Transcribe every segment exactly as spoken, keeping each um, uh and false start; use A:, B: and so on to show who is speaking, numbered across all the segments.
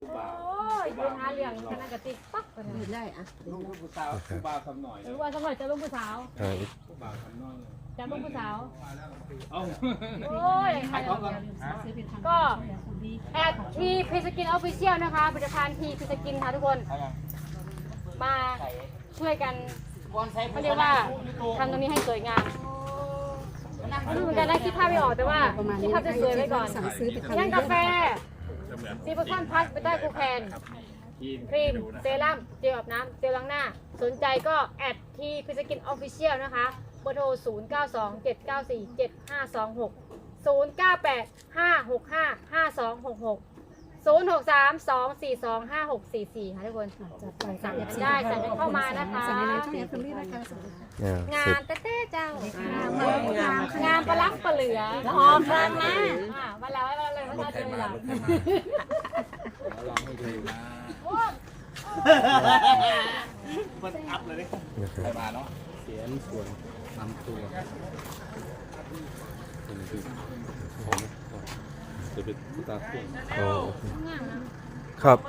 A: โอ้ยยืนหาเรื่องกันนั่นกะติกปั๊บกันเลยได้อะ
B: ลูกผู้สาวผู้บ่าวทำหน่อย
A: หรือว่าสมัยจะลงผู้สาว
B: ผู้บ่าวทำน้อย
A: จะลงผู้สาว
B: โอ้
A: ยก็แอดทีพีสกินออฟฟิเชียลนะคะผลิตภัณฑ์ทีพีสกินค่ะทุกคนมาช่วยกันเขาเรียกว่าทำตรงนี้ให้สวยงามไม่รู้เหมือนกันนะคิดภาพไม่ออกแต่ว่าคิดภาพจะสวยไว้ก่อนย่างกาแฟซีโพชั่นพลัสเบต้ากูแคนครีมเซรั่มเจลอาบน้ำเจลล้างหน้าสนใจก็แอดทีพีสกินออฟฟิเชียลนะคะเบอร์โทรศูนย์ เก้า สอง เจ็ด เก้า สี่ เจ็ด ห้า สอง หก ศูนย์ เก้า แปด ห้า หก ห้า ห้า สอง หก หก ศูนย์ หก สาม สอง สี่ สอง ห้า หก สี่ สี่ค่ะทุกคนสั่งกันได้สั่งกันเข้ามานะคะงานเต้ๆเจ้างานประลักประเหลือหอมครั้งนะวันแล้ววันเลยวันเจอหลัง
B: ลองให้ดูนะมันอัพเลยดิใส่มาเนาะเสียนส่วนนำตัวจะเป็นตาเสียง
C: ครับ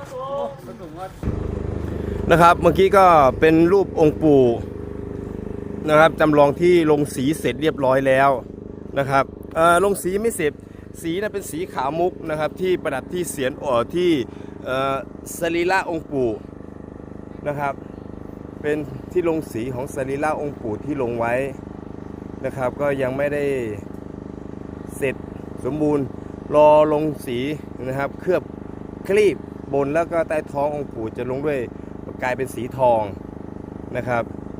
C: นะครับเมื่อกี้ก็เป็นรูปองค์ปู่นะครับจำลองที่ลงสีเสร็จเรียบร้อยแล้วนะครับเอ่อลงสีไม่เสร็จสีนะเป็นสีขาวมุกนะครับที่ประดับที่เสียนอ่อที่เอ่อสรีระองค์ปู่นะครับเป็นที่ลงสีของสรีระองค์ปู่ที่ลงไว้นะครับก็ยังไม่ได้เสร็จสมบูรณ์รอลงสีนะครับเคลือบคลีบบนแล้วก็ใต้ท้ององค์ปู่จะลงด้วยกลายเป็นสีทองนะครับ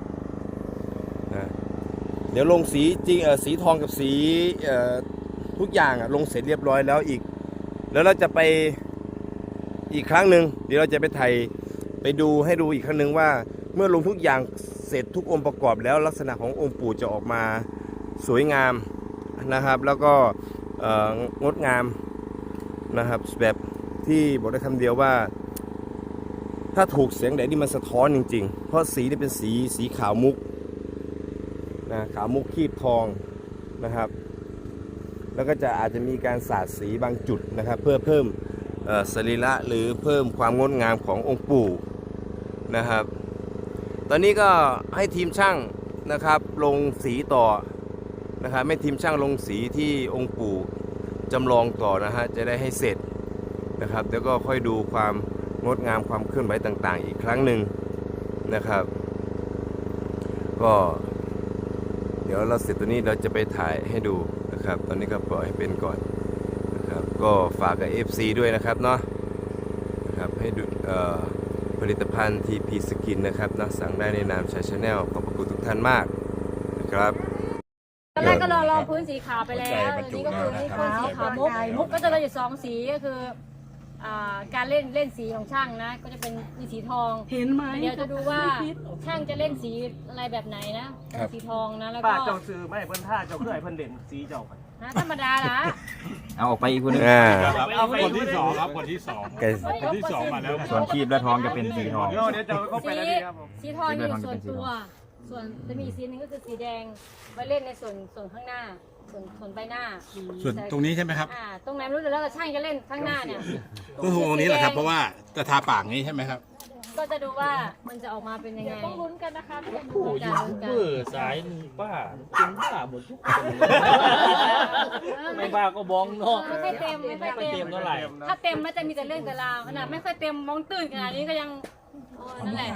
C: เดี๋ยวลงสีจริงเออสีทองกับสีเอ่อทุกอย่างอ่ะลงเสร็จเรียบร้อยแล้วอีกแล้วเราจะไปอีกครั้งหนึ่งเดี๋ยวเราจะไปถ่ายไปดูให้ดูอีกครั้งหนึ่งว่าเมื่อลงทุกอย่างเสร็จทุกองค์ประกอบแล้วลักษณะขององค์ปู่จะออกมาสวยงามนะครับแล้วก็งดงามนะครับแบบที่บอกได้คำเดียวว่าถ้าถูกแสงแดดนี่มันสะท้อนจริงๆเพราะสีนี่เป็นสีสีขาวมุกนะขาวมุกคีบทองนะครับแล้วก็จะอาจจะมีการสาดสีบางจุดนะครับเพื่อเพิ่มสรีระหรือเพิ่มความงดงามขององค์ปู่นะครับตอนนี้ก็ให้ทีมช่างนะครับลงสีต่อนะครับให้ทีมช่างลงสีที่องค์ปู่จำลองต่อนะฮะจะได้ให้เสร็จนะครับแล้วก็ค่อยดูความงดงามความเคลื่อนไหวต่างๆอีกครั้งหนึ่งนะครับก็เดี๋ยวเราเสร็จตัวนี้เราจะไปถ่ายให้ดูนะครับตอนนี้ก็ปล่อยให้เป็นก่อนนะครับก็ฝากกับ เอฟ ซี ด้วยนะครับเนาะนะครับให้ดูผลิตภัณฑ์ ที พี Skin นะครับนะสั่งได้ในนามชาชาแนลขอบคุณทุกท่านมากนะครับ
A: ตอนแรกก็ลองลองพื้นสีขาวไปแล้วอันนี้ก็คือนี่พื้นสีขาวมุกมุกก็จะมีสองสีก็คือการเล่นเล่นสีของช่างนะก็จะเป็นมีสีทองเห็นไหมเดี๋ยวจะดูว่าช่างจะเล่นสีอะไรแบบไหนนะสีทองนะแล้วก็
B: ป้าเจ้าซื้อไม่เพิ่นท่าเจ้าเพื่อให้เพิ่นเด่นสีเจ้าไป
A: นะธรรมดาละ
D: เอาออกไปอีกคนนึง
B: เอาคนที่สองครับคนที่สองคนที่สองมาแล้ว
D: ส่วนคีบและทองจะเป็นสีทอง
B: เดี๋ยวเดี๋ยวจะเข้าไปแล้วนี่ครับผม
A: สีทองอยู่ส่วนตัวส่วนจะมีสีนึงก็คือสีแดงไว้เล่นในส่วนส่วนข้างหน้าส่วนส่วนใบหน้า
E: ส่วนตรงนี้ใช่ไหมครับ
A: อ่าตรงไหนรู้แล้วแต่ช่างจะเล่นข้างหน้าเนี่ย
E: ก็ตรงนี้แหละครับเพราะว่าจะทาปากนี้ใช่ไหมครับ
A: ก็จะดูว่ามันจะออกมาเป็นยังไงต้องลุ้นกันนะคะผู้ยูทูบเบอ
B: ร์สายป้าเป็นป้าหมดทุกคนไม่ป้าก็บ้องเนาะ
A: ไม่ค่อยเต็มไม่ค่อยเต็ม
B: เท่าไหร่
A: ถ้าเต็มมันจะมีแต่เรื่องแต่ราวขนาดไม่ค่อยเต็มมองตื่นขนาดนี้ก็ยังนั่นแหละ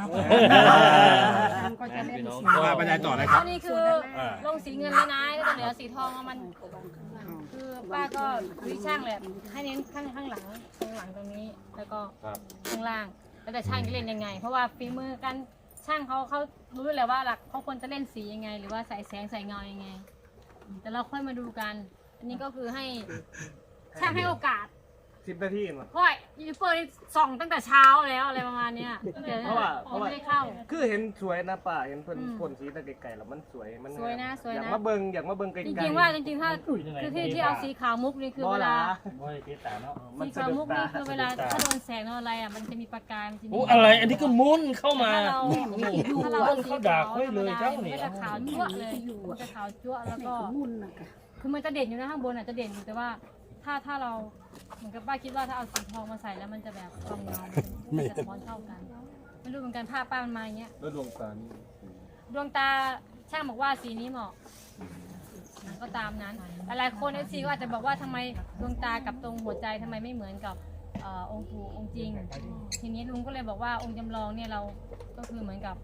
E: ว่าบรรยายต่อเลยครับ
A: นี่คือลงสีเงินแล้วนะแล้วก็เหลือสีทองมันคือป้าก็วิช่างแหละให้เน้นข้างข้างหลังข้างหลังตรงนี้แล้วก็ข้างล่างแล้วแต่ช่างจะเล่นยังไงเพราะว่าฝีมือกันช่างเขาเขารู้แหละว่าหลักเขาควรจะเล่นสียังไงหรือว่าใส่แสงใส่เงายังไงแต่เราค่อยมาดูกันอันนี้ก็คือให้ช่างให้โอกาส
B: สิบนาทีมั้ง
A: ค่อยยูทูบเบอร์ส่องตั้งแต่เช้าแล้วอะไรประมาณนี้
B: เพราะว่าเพราะว่า
A: ไม่ได้เข้า
B: คือเห็นสวยนะป้าเห็นเพิ่นพ่นสีตะไกลๆแล้วมันสวยมัน
A: สวยนะสวยนะ
B: อยากมาเบิ่งอยากมาเบิ่งไกลๆ
A: จริงๆว่าจริงๆถ้าคือที่ที่เอาสีขาวมุกนี่คือเวลาสีขาวมุกนี่คือเวลาถ้าโดนแสงโดนอะไรอ่ะมันจะมีประกายมันจะมี
B: อะไรอันนี้ก็มุนเข้ามา
A: ถ้าเราเอาสีขาวธรรมดามันจะขาวจั่วเลยมันจะขาวจั่วแล้วก็คือมันจะเด่นอยู่นะข้างบนอ่ะจะเด่นอยู่แต่ว่าถ้าถ้าเราเหมือนกับป้าคิดว่าถ้าเอาสีทองมาใส่แล้วมันจะแบบทองเงาไม่สะท้อนเท่ากันไม่รู้เหมือนกันผ้าป้ามันมาอย่างเงี้ยแล้วดวงตานี่ดวงตาช่างบอกว่าสีนี้เหมาะก็ตามนั้นหลายคนเอฟซีก็อาจจะบอกว่าทำไมดวงตากับตรงหัวใจทำไมไม่เหมือนกับเอ่อองค์ปู่องค์จริงทีนี้ลุงก็เลยบอกว่าองค์จำลองเนี่ยเราก็คือเหมือนกับ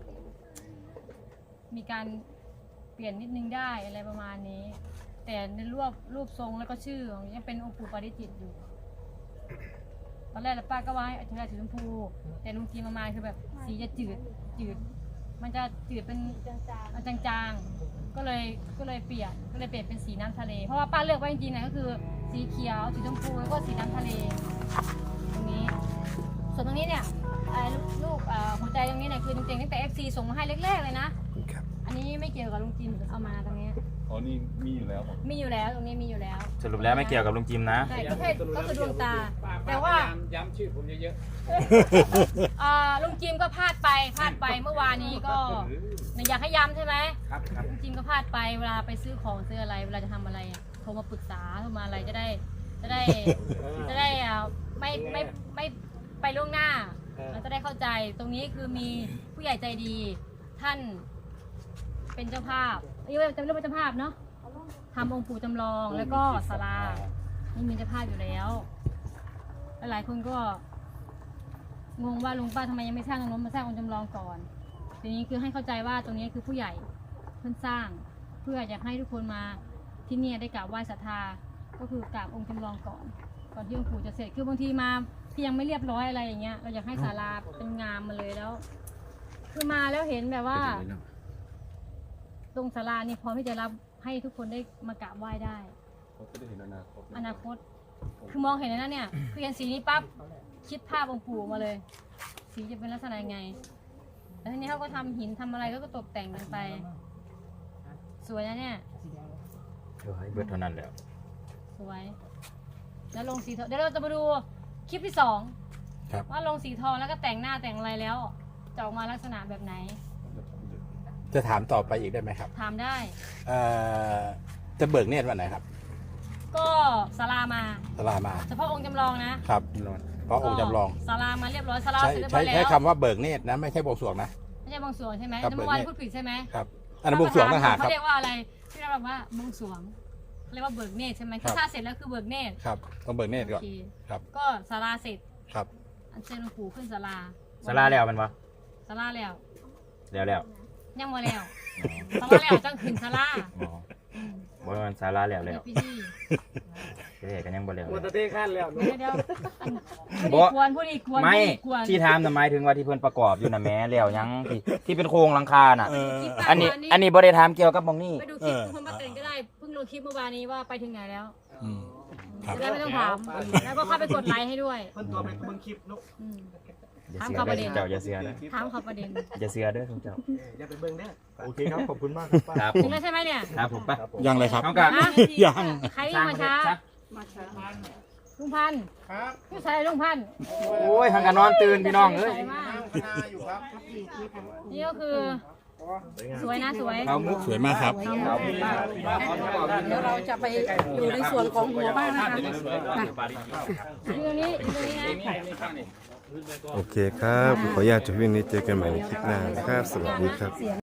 A: มีการเปลี่ยนนิดนึงได้อะไรประมาณนี้ แต่ในรูปรูปทรงแล้วก็ชื่อของยังเป็นองค์ปู่ปาริจิตอยู่ตอนแรกป้าก็ว่าให้อัจฉริยะสีชมพูแต่ลุงจีนมามาคือแบบสีจะจืดจืดมันจะจืดเป็นจางๆก็เลยก็เลยเปลี่ยนก็เลยเปลี่ยนเป็นสีน้ำทะเลเพราะว่าป้าเลือกไว้จริงๆนะก็คือสีเขียวสีชมพูแล้วก็สีน้ำทะเลตรงนี้ส่วนตรงนี้เนี่ยลูกหัวใจตรงนี้เนี่ยคือจริงๆตั้งแต่ เอฟ ซี ส่งมาให้แรกๆเลยนะอันนี้ไม่เกี่ยวกับลุงจิมเอามาตรงนี้อ๋อนี่มีอยู่แล้วมีอยู่แล้วตรงนี้มีอยู่แล้ว
D: สรุปแล้วไม่เกี่ยวกับลุงจิมนะ
A: ใช่ก็แค่ก็คือดวงตาแต่ว่า
B: ย้ำชื่อผมเยอะ
A: ๆลุงจิมก็พลาดไปพลาดไปเมื่อวานนี้ก็อยากให้ย้ำใช่ไหม
B: ครับ
A: ลุงจิมก็พลาดไปเวลาไปซื้อของซื้ออะไรเวลาจะทำอะไรโทรมาปรึกษาโทรมาอะไรจะได้จะได้จะได้ไม่ไม่ไม่ไปล่วงหน้าเราจะได้เข้าใจตรงนี้คือมีผู้ใหญ่ใจดีท่านเป็นเจ้าภาพนี่เป็นเรื่องเจ้าภาพเนาะทำองค์ปู่จำลองแล้วก็ศาลานี่มีเจ้าภาพอยู่แล้วหลายคนก็งงว่าลุงป้าทำไมยังไม่สร้างตรงนู้นมาสร้างองค์จำลองก่อนทีนี้คือให้เข้าใจว่าตรงนี้คือผู้ใหญ่เพิ่นสร้างเพื่ออยากให้ทุกคนมาที่นี่ได้กราบไหว้ศรัทธาก็คือกราบองค์จำลองก่อนก่อนที่องค์ปู่จะเสร็จคือบางทีมาที่ยังไม่เรียบร้อยอะไรอย่างเงี้ยเราอยากให้ศาลาเป็นงามมาเลยแล้วคือมาแล้วเห็นแบบว่าตรงศาลานี่พร้อมที่จะรับให้ทุกคนได้มากราบไหว้ได้อนาคตคือมองเห็นแล้วเนี่ยคือเห็นสีนี้ปั๊บคิดภาพองค์ปู่มาเลยสีจะเป็นลักษณะยังไงแล้วทีนี้เขาก็ทำหินทำอะไรก็ตกแต่งกันไปสวยนะเนี่ย
D: เดี๋ยวให้เบิดเท่านั้นแล้ว
A: สวยแล้วลงสีทองเดี๋ยวเราจะมาดูคลิปที่สองว่าลงสีทองแล้วก็แต่งหน้าแต่งอะไรแล้วจะออกมาลักษณะแบบไหน
E: จะถามต่อไปอีกได้ไหมครับ
A: ถามได้
E: เอ่อจะเบิกเนตรวันไหนครับ
A: ก็ศาลามา
E: ศาลามา
A: เฉพาะองค์จำลองนะครับ
E: เพราะองค์จำลอง
A: ศาลามาเรียบร้อยศาลาเสร็จเรียบร้
E: ใช้
A: อยแล้ว
E: ใช้คำว่าเบิกเนตรนะไม่ใช่บวงสรวงนะ
A: ไม่ใช่บวงสรวงใช่ไหมเมื่อวานพูดผิดใช่ไหม
E: ครับอันนั้นบวงสรวงต่างหากครับ
A: เขาเรียกว่าอะไรที่เราบอกว่าบวงสรวงเรียกว่าเบิกเนตรใช่ไหมถ้าเสร็จแล้วคือเบิกเนตร
E: ครับต้องเบิกเนตรก่อนครับ
A: ก็ศาลาเสร็จ
E: ครับ
A: อันเชิญหลวงปู่ขึ้นศาลา
D: ศาลาแล้วมันวะ
A: ศาลาแล้ว
D: แล้วแล้ว
A: ยังมาแล้วศาลาแล้วจังขึ้นศาลา
D: บ่มันศาลาแล้วแล้วเดี๋ยวกันยังบ่แล้ว
B: หมดตะเต้ขั้นแล้ว
A: เดี๋ยวบ่ควรผู้ดีควร
D: ไม่ที่ถามน่ะหมายถึงว่าที่เพิ่นประกอบอยู่น่ะแม้แล้วยังที่ที่เป็นโครงหลังคาน่ะอันนี้อันนี้บ่ได้ถามเกี่ยวกับหม้องนี้
A: ไปดูคลิปคนมาเต้นก็ได้เพิ่งลงคลิปเมื่อวานนี้ว่าไปถึงไหนแล้วจะได้ไม่ต้องถามแล้วก็เข้าไปกดไลค์ให้ด้วย
B: เพิ่นตัวเป็นเบิ่งคลิปนุ๊ก
A: ถามเขาประเด็น
D: เจ้าอย่าเสือนะ
A: ถามเขาประเด็น
D: อย่าเสือเด้อทุกเจ้า
B: อย่าไปเบิ่งเด้อ
E: โอเคครับขอบคุณมาก
D: ครับ
A: ถึงแล้วใช่ไหมเนี่ย
D: ครับผมป่ะ
E: ยังเลยครับ
A: ยังใครมาช้าลุงพันธ์ครับผู้ชายลุงพันธ์
D: โอ้ยทางการนอนตื่นพี่น้องเอ้ย
A: นี่ก็คือสวยนะสวย
E: สวยมากครับ
F: เดี๋ยวเราจะไปอยู่ในส่วนของหัวบ้านนะคะ
A: อยู่ตรงนี้อยู่ตรงนี้นะ
C: โอเคครับขออนุญาตจบเพียงนี้เจอกันใหม่ในคลิปหน้านะครับสวัสดีครับ